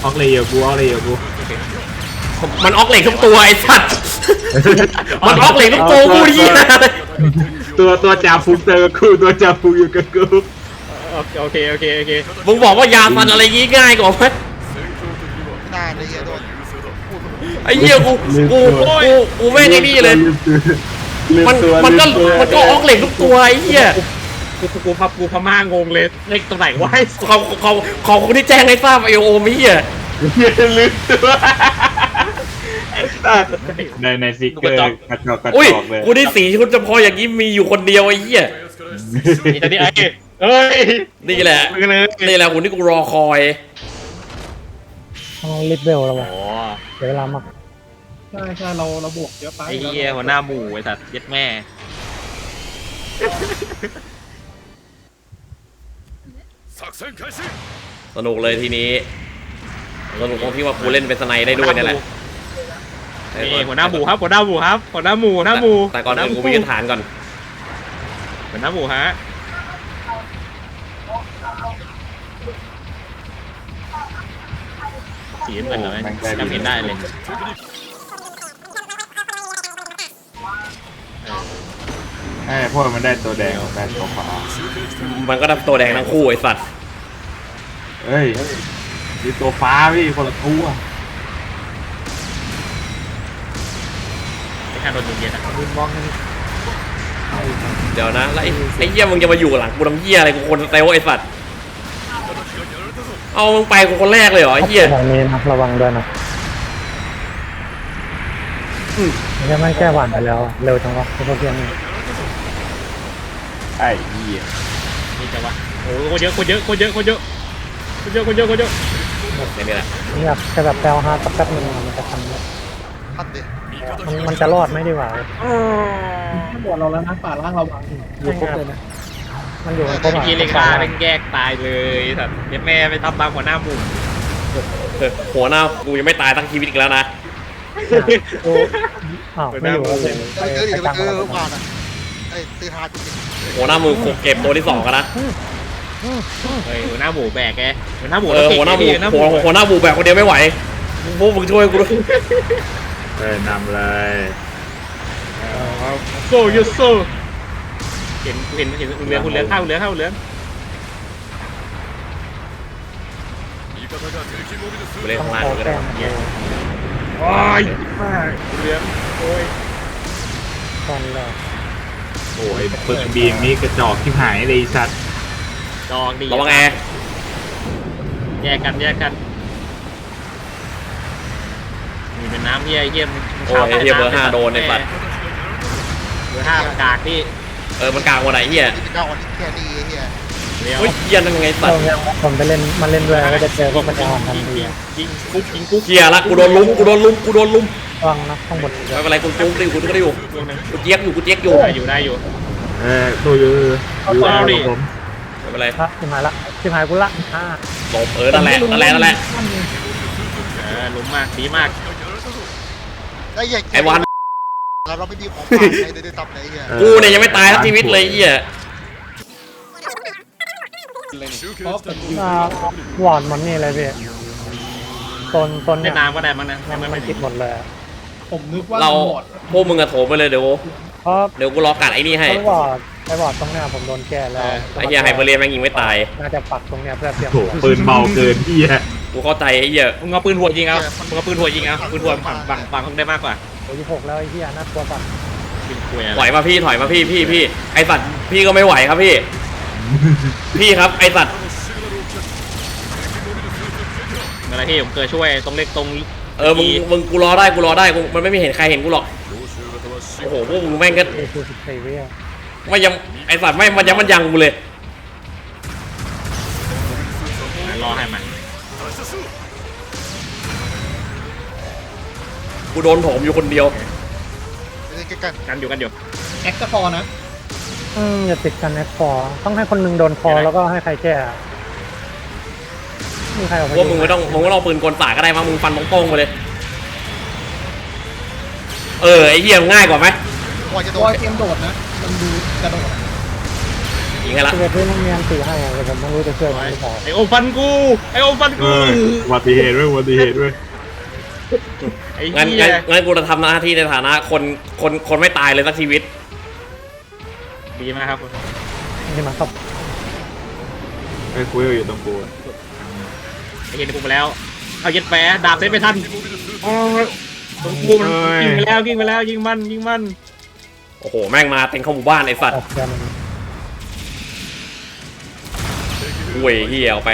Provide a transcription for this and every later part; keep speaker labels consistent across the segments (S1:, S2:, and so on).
S1: ออกเลยอยู่กูออกเลยอยู่กู
S2: มันออกเหล็กทุกตัวไอ้สัตว์มันออกเหล็กทุกตัวกูดิ
S1: ตัวจ่าฟูเจอกับกูตัวจ่าฟูอยู่กับกู
S3: โอเค
S2: มึงบอกว่ายาฟันอะไรงี้ง่ายกว่าไหม
S4: หน้าเลยโดน
S2: ไอ้เหี้ยกูแม่งไอ้นี่เลยมันก็ออกเหล็กทุกตัวไอ้เหี้ย
S3: กูพม่างงเลยเล็กตรงไหนวะ
S2: ขอบคุณที่แจ้งให้ทราบไอโอมไอ้เหี้ย
S1: ลืมตัวในซิกเกอร์กระจอก
S2: อุ้ย
S1: เลย
S2: กูได้สีชุดเฉพาะอย่างนี้มีอยู่คนเดียวไอ้เหี้ย
S3: นี่ตอนนี้ไอ้เอ้ย
S2: นี่แหละคุณที่กูรอคอย
S5: ต้องรีบเบลแล้ววะ
S3: โอ้
S5: เดี๋ยวเวลามาก
S6: ใช่เราบวกเยอะไป
S3: ไอ้เหี้ยหัวหน้าหมู่ไอ้สัตว์เย็ดแม่
S2: สนุกเลยทีนี้สนุกตรงที่ว่ากูเล่นเป็นสไนได้ด้วยนี่แหละ
S3: นี่หัวหน้าหมู่ครับหัวหน้าหมู่
S2: แต่ก่อนอื่นกูไปยึดฐานก่อน
S3: หัวหน้าหมู่ฮะสีเหมือนเลยจำเห็นได้เลย
S1: พวกมันได้ตัวแดงได้ตัวฟ้า
S2: มันก็ได้ตัวแดงทั้งคู่ไอ้สัตว์
S1: เฮ้ยมีตัวฟ้าพี่คนละตัว
S3: ไม่ทันโดนยิงเย็นอ่ะ
S5: ยืนมองกัน
S2: เดี๋ยวนะแล้วไอ้เหี้ยมึงจะมาอยู่หลังกูทำเหี้ยอะไรกูคนเตลไอ้สัตว์เอามึงไปกูคนแรกเลยเหรอไอ้เหี้ย
S5: ทางนี้นะระวังด้วยนะไม่ใช่ไม่แก้หวานไปแล้วเร็วจังวะพวกเพียงนี้
S1: ไอ้เหี้ย
S3: นี่จะวะโอ้คนเยอะ
S2: นี่แหละ
S5: นี่แบบแค่แบบแปลวฮาร์ดสักแป๊บนึงมันจะทำได้
S4: พัดดิ
S5: มันจะรอดไหมดีกว่า
S6: ถ้าบวกเราแล้วนะป่าล่างเราบัง
S5: อยู่ครบเลยนะมันอยู่ในครบ
S3: เมื่อ
S5: อ่ะ
S3: กี้เลขาเป็นแยกตายเลยสัตว์เย็ดแม่ไปทำตามหัวหน้าหมู่
S2: หัวหน้ากูยังไม่ตายทั้งชีวิตอีกแล้วนะ
S5: อ้าวไม่อยู่แล้วเลย
S4: ไปเจอดิไปเจอผ่านอ่ะไอ้ซื้อฮาร์ดจริง
S2: หัวหน้ามือเก็บตัวที่2กันนะ
S3: เฮ้ยหัวหน้าหมู่แบกแกหัวหน้าหมู่
S2: หัวหน้าบูแบบคนเดียวไม่ไหวพวกมึงช่วยกูด้วย
S1: นำเลย
S3: โซ่ยูโซ่เห็นคุณเหลืองเข้าเหลือง
S2: กูเล่น
S5: ต้อง
S2: ข้างล่าง
S5: ขอ
S2: ก็
S5: แก้
S2: ได้
S5: มเลย
S3: โอ้ยเหลืองโอ้ย
S5: ตอนแรก
S1: โอ้ยปึกบีมนี่กระจอกที่หายเลยสัตว์
S3: จองดี
S2: ระวังแอร์
S3: แยกกันมีเป็นน้ำเยี่ยม
S2: โอ้ยเฮียเบอร์5โดนในปัด
S3: เบอร์5กากที่
S2: มันกลางวันไหนเฮีย
S4: ที่เป็นเจ้าอ่อนที่แค่นี้เฮีย
S3: เลี้ยว
S2: เฮ้ยเฮียนั่นไงสัต
S5: เรา
S2: ว์
S5: เนี่ยผมไปเล่นมันเล่นด้วยก็จะเจอพวกมันจะอ่อนทันที
S3: ยิงกุ๊ก
S2: เฮียละกูโดนลุม
S5: ระวังนะข้างบน
S2: ไม่เป็นไรกูจุ๊บดิกูก็ได้อยู่กูเจี๊ยกอยู่
S3: ได้อยู่
S1: ตัวอยู่ผม
S2: ไม่เป็นไร
S5: ละชิมหายละชิมหายกูละ
S2: หลบนั่นแหละ
S3: หลุมมากดีมาก
S4: ไอ้ใหญ่
S2: ไอ้วัน
S4: เราไม่มีของฝากในตับไหนเฮีย
S2: กูเนี่ยยังไม่ตายทั้งชีวิตเลยเฮีย
S5: หวานมันนี่เลยพี่ตน
S3: ใน
S5: เนี่ย
S3: น้ำก็ได้มั้งนะ
S5: มันติดหมดเลย
S6: ผมนึกว่า
S2: เรา
S6: หมด
S2: พวกมึงอะโถมไปเลยเดี๋ยว
S5: เพราะ
S2: กูรอกัดไอ้นี่ให้
S5: ไอ้บอดตรงเนี้ยผมโดนแก้แล้ว
S2: ไอ้เฮียไฮเปอร์เรียนแม่งยิงไม่ตาย
S5: น่าจะปักตรงเนี้ยเพื่อเตรียม
S1: โถปืนเบาเกินพี่ฮะ
S2: กูเข้าใจไอ้เฮีย
S3: มึงเอาปืนหัวยิงเอาปืนหัวฝั่งได้มากกว่า
S5: โอ้ย6แล้วไอ้เหี้ยน่ากลัวปัก
S3: ยิงคุย
S2: ถอยมาพี่ถอยมาพี่ไอสัตว์พี่ก็ไม่ไหวครับพี่ พี่ครับไอสัตว์
S3: อะไรที่ผมเคยช่วยตรงเล็กตรง
S2: มึงกูรอได้มันไม่มีเห็นใครเห็นกูหรอกโอ้โหพวกมึงแม่งก็
S5: คือ14 วิ
S2: ไม่ยังไอสัตว์ไม่มันยังกูเลย
S3: รอให้มัน
S2: กูโดนโถมอยู่คนเดียว
S4: กัน
S3: กันอยู่
S6: แอคก็พอนะ
S5: อย่าติดกันนะคอต้องให้คนนึงโดนคอแล้วก็ให้ใครแก้มีใครออกไป
S2: พวกมึงไม่ต้องปืนกลสาก็ได้มั้งมึงฟันโป้งๆไปเลยไอเหี้ยง่ายกว่าไหม
S4: ว่าจะโด
S6: ตัวน เกมโดดนะมันดูกระโดด
S2: งงให้ละ
S5: เกิดที่มันมีอันตีให้อะแต่ผมไม่รู้จะช่วยมันหรือเปล่า
S3: ไอโอมฟันกูไอโอมฟัน
S1: เอ
S3: กู
S1: ออุบัติเหตุด้วยอุบัติเหตุด้วย
S3: ไอ้
S2: งั้น
S3: เหี้ย
S2: งั้นกูจะทำหน้าที่ในฐานะคนไม่ตายเลยสักชีวิต
S3: ดีมากครับ
S5: นี่มาครับ
S1: ไอ้คุยอยู่ตรงกู
S3: ไอ้เห็นกูไปแล้วเอาเย็ดแฝดาบเซตไม่ทันอ๋อตรงกูมันยิงไปแล้วยิงไปแล้วยิงมัน
S2: โอ้โหแม่งมาเต็มเข้าหมู่บ้านไอ้สัต
S5: อ
S2: ว์
S5: อกกัน
S2: อุ้ยเหี้ยเอาไป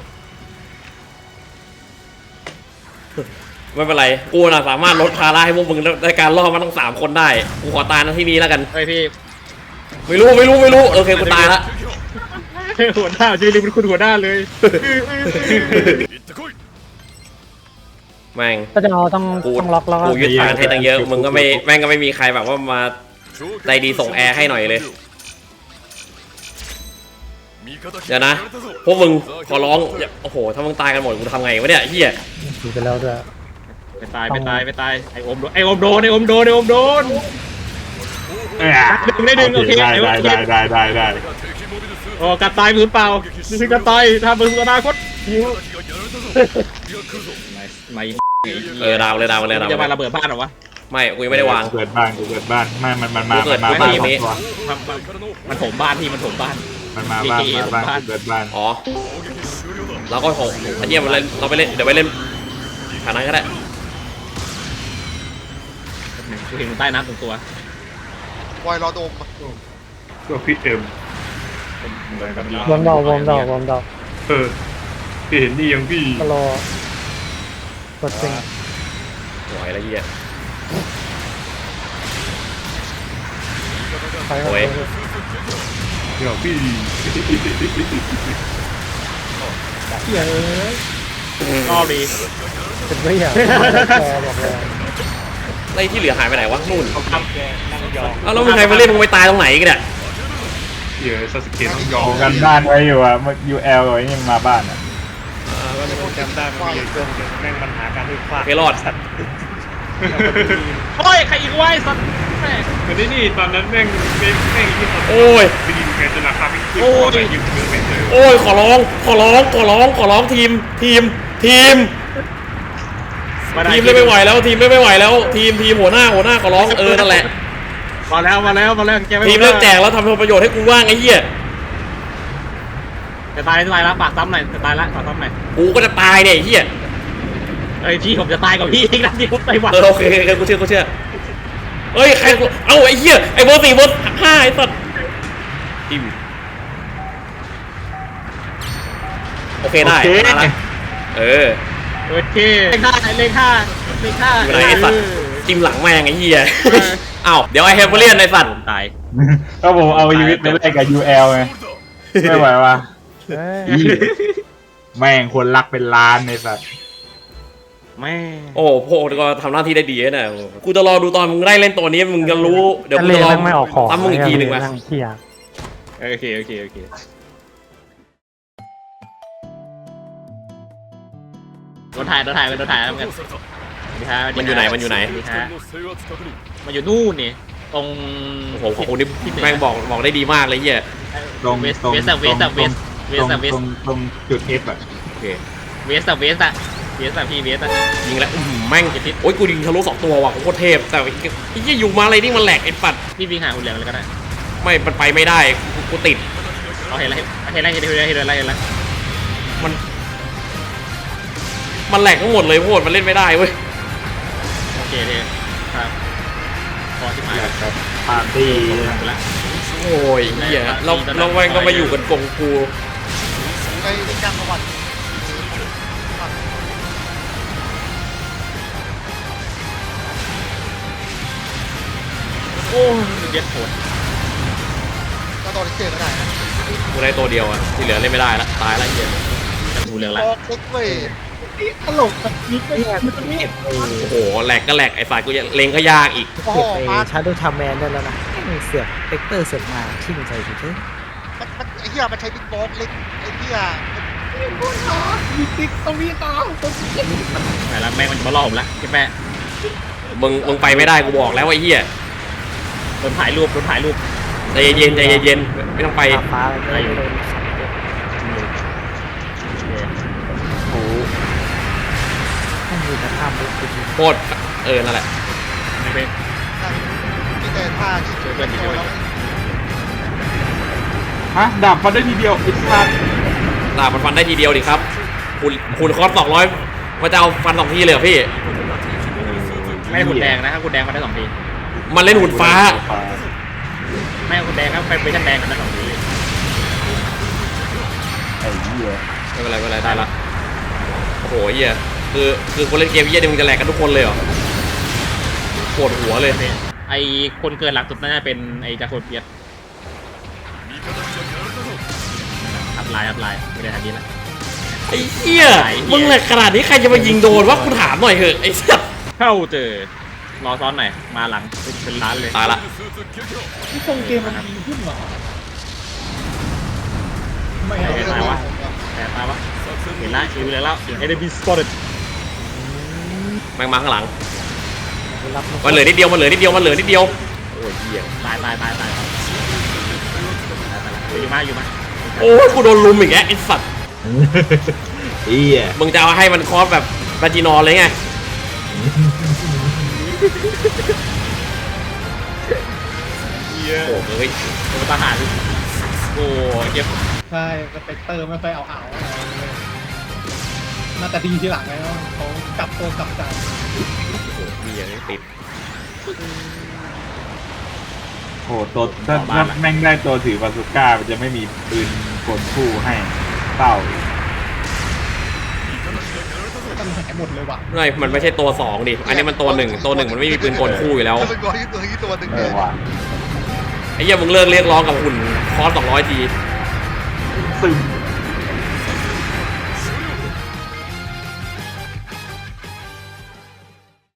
S2: ไม่เป็นไรกูน่ะสามารถลดภาระให้พวกมึงในการล่อมันต้อง3 คนได้กูขอตายนะที่นี้แล้วกัน
S3: เฮ้ยพี่
S2: ไม่รู้โอเคกูตายละ
S3: หัวหน้าชื่อลิมเป็นคุณหัวหน้าเลย
S2: แม่ง
S5: ถ้าจะเอาต้อง
S2: กู
S5: ล็อกแล้วก็
S2: กูยึดฐานให้ตั้งเยอะมึงก็ไม่แม่งก็ไม่มีใครแบบว่ามาใจดีส่งแอร์ให้หน่อยเลยเดี๋ยวนะพวกมึงขอร้องอย่าโอ้โหถ้ามึงตายกันหมดกูทำไงวะเนี่ยเฮีย
S5: ถือไปแล้วด้วย
S3: ไปตายไอโอมโดนไอโอมโดนได้ดึงโอเค
S1: ได้
S3: โอ้กัดตายมือเปล่านี่คือกัดตายทำมืออนาคตยิงไม่
S2: ดาวเลย
S3: จะมาระเบิดบ้านหรอวะ
S2: ไม่กูยังไม่ได้วาง
S1: เกิดบ้านไม่มันมา
S2: กูเกิด
S1: บ้าน
S2: ไม่มี
S1: ตัว
S3: มันถมบ้านพี่มันถมบ้าน
S1: มันมาบ้านเกิดบ้าน
S2: อ๋อแล้วก็โหไอ้เหี้ยมันเล่นเราไปเล่นเดี๋ยวไปเล่นฐานนั้นก็ได้
S3: กูเห็นใต้น้ำตรงตัว
S4: วอยรอดม
S1: ก็พี่เอ็ม
S5: วอร์มดอก
S1: พี่เห็นนี่ยังพี่
S5: ก็รอกดจริง
S2: หวยละเหี้ย
S5: ไปครับ
S2: โอ้ย
S1: เดี๋ยวพี่
S3: รอบดี
S5: เป็นไม่อย่างแกบอกเลย
S2: ไอ้ที่เหลือหายไปไหนวะนู่นเอาแล้วมึงใครมาเล่นมึงไปตายตรงไหนกันเนี่ย
S1: เดี๋ยวซาสึเกะต้องยอมกันบ้านไว้อยู่อ่ะมัน UL ไว้ยังมาบ้านอ่ะ
S3: จำได้มันมีช่วงแม่งปัญหาการที่ฟาด
S2: ไม่รอด
S3: โอ้ยใครอีกวะสัตว์แม่
S1: แต่นี่ตอนนั้นแม่งที่สุด
S2: โอ้ย
S1: ไปยิงแกจนราคาไม่ขึ้น
S2: โอ้ย
S1: แต่ยิงไม่เจอ
S2: โอ้ยขอร้องทีมเล่นไม่ไหวแล้วทีมหัวหน้าขอร้องนั่นแหละ
S3: มาแล้วแกไม่
S2: ทีมเลิกแจกแล้วทำประโยชน์ให้กูว่างไอ้เหี้ย
S3: จะตายแล้วปากซ้ำหน่อยจะตายแล้วปากซ้ำหน่อย
S2: กูก็จะตายเนี่ยไอ้เหี้ย
S3: เอ้ยพี่ผมจะตายกับพี่อีกนะที่ผมไต้หวัน
S2: โอเคกูเชื่อเฮ้ยใครเอ้าไอ้เหี้ยไอ้เบอร์ 4เบอร์ 5ไอ้สัตว์ทีมโอเคได้มาละ
S3: โอเคเลขห้า
S2: อยู่ไหนไอ้สัตว์จิ้มหลังแม่งไอ้เหี้ยอ้าวเดี๋ยวไอ้เฮเบเรียนไอ้สัตว์
S3: ตาย
S1: ก็ผมเอาชีวิตไปแลกกับ UL ไงไม่ไหววะแม่งคนรักเป็นล้านในสัตว์
S3: แม่
S2: โอ้โหก็ทำหน้าที่ได้ดีนะกูจะรอดูตอนมึงได้เล่นตัวนี้มึงจะรู้เดี๋ยวกูจะรอ
S5: ไม่ออกของ
S2: ตั้มมึงอีกทีหนึ่งมา
S5: เที่ย
S3: โอเคโดนถ่ายแล้วกัน
S2: มันอยู่ไหน
S3: มันอยู่นู่นนี่ตรง
S2: โอ้โหของคุณนี่แม่งบอกได้ดีมากเลยเหี้ย
S1: ตรง
S3: เวส
S1: ตรง
S3: เวส
S1: ตรงจุด F อ่ะ
S2: โอเค
S3: พี่เวสอะ
S2: ยิงแล้วแม่งโอ้ยกูยิงทะลุ2 ตัวว่ะโคตรเทพแต่ไอ้ยี่อยู่มาอะไรนี่มันแหลกไอ้ปัด
S3: พี่วิ่งหาหุ่นเหลืองเลยก็ได้
S2: ไม่มันไปไม่ได้กูติด
S3: เราเห็นแล้ว
S2: มันแหลกทั้งหมดเลยโคตรมันเล่นไม่ได้เว้ย
S3: โอเคเลยครับพอที่มา
S1: ครับปาร์ตี้
S3: ไปละ
S2: โอ้ยเหี้ยเราแม่งก็มาอยู่กันกงกู
S4: ไอ้ที่จ้างประวัติ
S3: โอ้เย็ดโหด
S4: ก็ตอนที่เจอก็ได้นะ
S2: กูได้ตัวเดียวอ่ะที่เหลือเล่นไม่ได้ละตายละเหี้ย
S3: หุ่นเหลือง
S4: บ
S3: ละ
S4: อกเล็กเว้ย
S6: ตลกแบบนี้ก็แย่มันนี่
S2: โอ้โหแหลกก็แหลกไอ้ฝ่ายกูยังเล็งก็ยากอีก
S4: โอ้โห
S7: เก็บ
S4: มา
S7: ไปชาร์โดว์ทามแมนได้แล้วนะเสือกเปกเตอร์เสือกมาชิ่งใส่เฉย
S4: มันไอ้เหี้ยมันใช้บิ๊กบอสเล็กไอ้เหี้ย
S6: มีติ๊กต้องมีต่อ
S3: ไหนละแม่งมันมาล่อผมละพี่แม่
S2: มึงไปไม่ได้กูบอกแล้วไอ้เหี้ย
S3: โดนถ่ายรูป
S2: ใจใจเย็นใจเย็นไม่ต้องไป
S7: ฟ้าอะไรไม่ได้โดนสัตว์เยอะ
S2: โอ้โห
S7: ต้องมีกระทำด้วยจริง
S2: โคตรนั่นแหละ
S3: ไม่เป็น
S4: ที่แต่ท่าที่
S3: ช่วยเพื่อนช่วยเพื่อน
S1: ฮะดาบฟันได้ทีเดียวไอ้สัส
S2: ดาบมันฟันได้ทีเดียวดิครับคุณคอร์ส200มันจะเอาฟัน2 ทีเลยเหรอพี่
S3: ไม่หุ่นแดงนะครับหุ่นแดงมาได้2 ที
S2: มันเล่นหุ่นฟ้า
S3: ไม่หุ่นแดงครับไปเวอร์ชันแดงกันได้2 ที
S1: ไอ้เหี้ย
S2: ไม่เป็นไรไม่เป็นไรได้ละโอ้โหเหี้ยคือคนเล่นเกมเหี้ยนี่มึงจะแหลกกันทุกคนเลยเหรอปวดหัวเลย
S3: ไอคนเกินหลักสุดน่าจะเป็นไอจาโคเปียสอัพไลน์ไม่ได้ทันทีละ
S2: ไอ้เหี้ยมึงแหลกขนาดนี้ใครจะมายิงโดนวะคุณถามหน่อยเถอะไอ้สัส
S3: เข้าเจอรอซ้อนหน่อยมาหลังเป็นล้านเลย
S2: ตายละ
S6: ที่ทรงเกมมันดีขึ้นเหรอไม่
S3: เห็น
S6: เอา
S3: ไหมวะแต่ตาวะเห็นละชิวเลยแล้วเห็น enemy spotted
S2: แม่งมาข้างหลัง
S7: ๆรับ
S2: มันเหลือนิดเดียวโอ้ยเหี้ย
S3: ตายอยู่มา
S2: โอ้ยกูโดนลุมอีกแล้วไอ้สัส
S1: เหี้ย
S2: มึงจะเอาให้มันคอสแบบบาจินอเลยไงโอ้เฮ้ย
S3: ตัวทหารโอ้เจ็บ
S6: ใช่สเปกเตอร์ไม่ค่อยเอาอะไรเลยน่าจะดีทีหลังแล้วเขากลับตัวกลับใจ
S2: เหี้ยติด
S1: โอ้ตัวถ้าแม่งได้ตัวถือบาซูก้ามันจะไม่มีปืนกลคู่ให้เต้า
S6: มันหายหมดเลยว่ะ
S2: ไม่มันไม่ใช่ตัว2ดิอันนี้มันตัว1มันไม่มีปืนกลคู่อยู่แล้ว
S4: ถ้าเป็นตัวนี้ตัวหนึ่งเลย
S1: ว่ะ
S2: ไอ้เหี้ยมึงเลิกเรียกร้องกับหุ่นคอส200 ที
S1: ซึม